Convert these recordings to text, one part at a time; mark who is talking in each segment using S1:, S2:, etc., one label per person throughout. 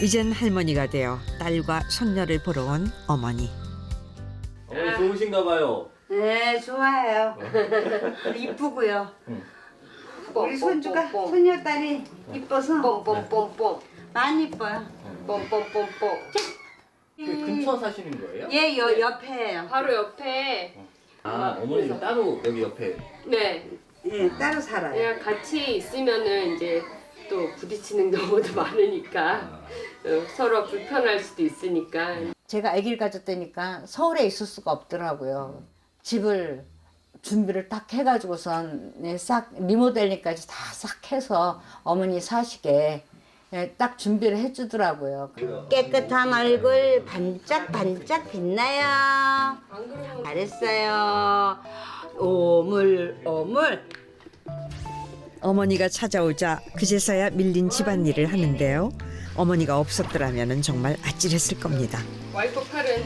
S1: 이젠 할머니가 되어 딸과 손녀를 보러 온 어머니.
S2: 어머니 좋으신가 봐요.
S3: 네, 좋아요. 이쁘고요. 우리 손주가 손녀딸이 이뻐서
S4: 뽕뽕뽕뽕
S3: 많이 이뻐요.
S4: 뽕뽕뽕뽕.
S2: 그 근처 사시는 거예요?
S3: 얘 옆에예요.
S4: 바로 옆에
S2: 아, 어머니는 따로 여기 옆에.
S4: 네
S3: 예, 따로 살아요.
S4: 그냥 같이 있으면은 이제 또 부딪히는 경우도 많으니까 서로 불편할 수도 있으니까.
S3: 제가 아기를 가졌다니까 서울에 있을 수가 없더라고요. 집을 준비를 딱 해가지고선 싹 리모델링까지 다 싹 해서 어머니 사시게 딱 준비를 해주더라고요. 깨끗한 얼굴 반짝반짝 빛나요. 잘했어요. 오물.
S1: 어머니가 찾아오자 그제서야 밀린 집안일을 하는데요. 어머니가 없었더라면 정말 아찔했을 겁니다.
S4: 와이프 팔은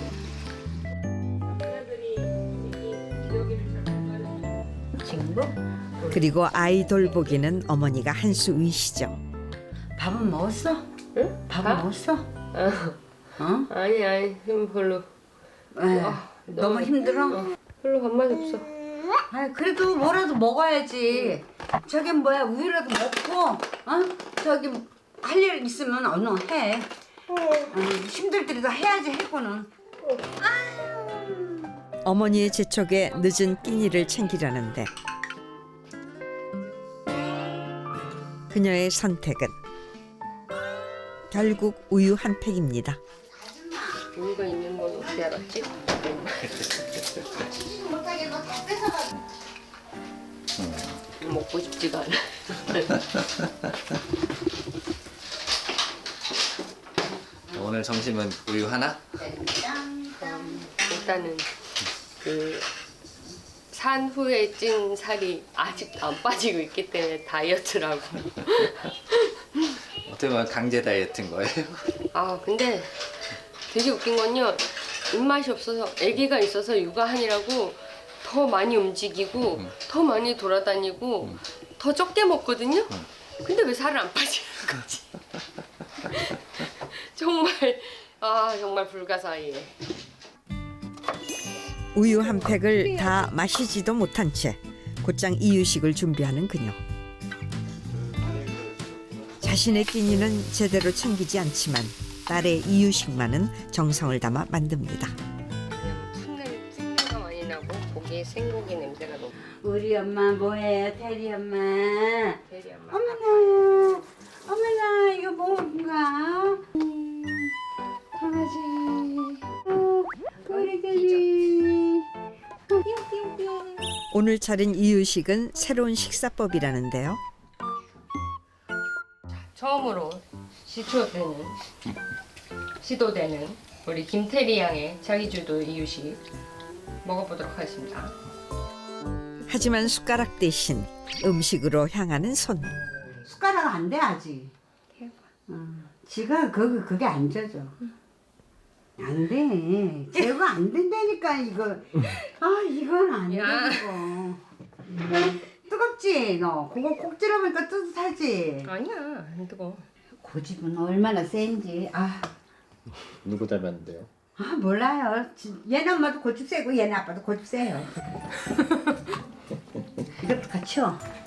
S3: 친구?
S1: 그리고 아이 돌보기는 어머니가 한 수 위시죠.
S3: 밥은 먹었어?
S4: 응?
S3: 밥은 먹었어? 어?
S4: 아니 힘 별로.
S3: 너무 힘들어?
S4: 별로 밥맛 없어.
S3: 아 그래도 뭐라도 먹어야지. 저기 뭐야 우유라도 먹고, 저기 할 일 있으면 얼른 해. 힘들더라도 해야지 해고는.
S1: 어머니의 재촉에 늦은 끼니를 챙기려는데 그녀의 선택은 결국 우유 한 팩입니다.
S4: 우유가 있는 건 어떻게 알았지? 먹고 싶지가 않아.
S2: 오늘 점심은 우유 하나?
S4: 일단은 그 산 후에 찐 살이 아직 안 빠지고 있기 때문에 다이어트라고.
S2: 어떻게 보면 강제 다이어트인 거예요?
S4: 아 근데 되게 웃긴 건요. 입맛이 없어서 아기가 있어서 육아하느라고 더 많이 움직이고 더 많이 돌아다니고 더 적게 먹거든요. 근데 왜 살을 안 빠지는 거지? 정말 불가사의해.
S1: 우유 한 팩을 다 마시지도 못한 채 곧장 이유식을 준비하는 그녀. 자신의 끼니는 제대로 챙기지 않지만 딸의 이유식만은 정성을 담아 만듭니다.
S4: 그냥 풋내가 많이 나고 고기에 생고기 냄새가 너무.
S3: 우리 엄마 뭐해요, 테리 엄마?
S4: 대리 엄마.
S3: 어머나 이거 뭔가? 강아지. 우리 테리. 뿅뿅뿅.
S1: 오늘 차린 이유식은 새로운 식사법이라는데요.
S4: 처음으로 시도되는 우리 김태리 양의 자기주도 이유식 먹어보도록 하겠습니다.
S1: 하지만 숟가락 대신 음식으로 향하는 손.
S3: 숟가락 안 돼 아직. 지가 그게 안 젖어. 안 돼. 제거 안 된다니까 이거. 이건 안
S4: 야.
S3: 되고. 뜨겁지 너. 그거 콕 찌르니까 뜨뜻하지.
S4: 아니야 안 뜨거.
S3: 고집은 얼마나 센지.
S2: 누구 닮았는데요?
S3: 몰라요. 얘네 엄마도 고집 세고 얘네 아빠도 고집 세요. 이것도 같이요.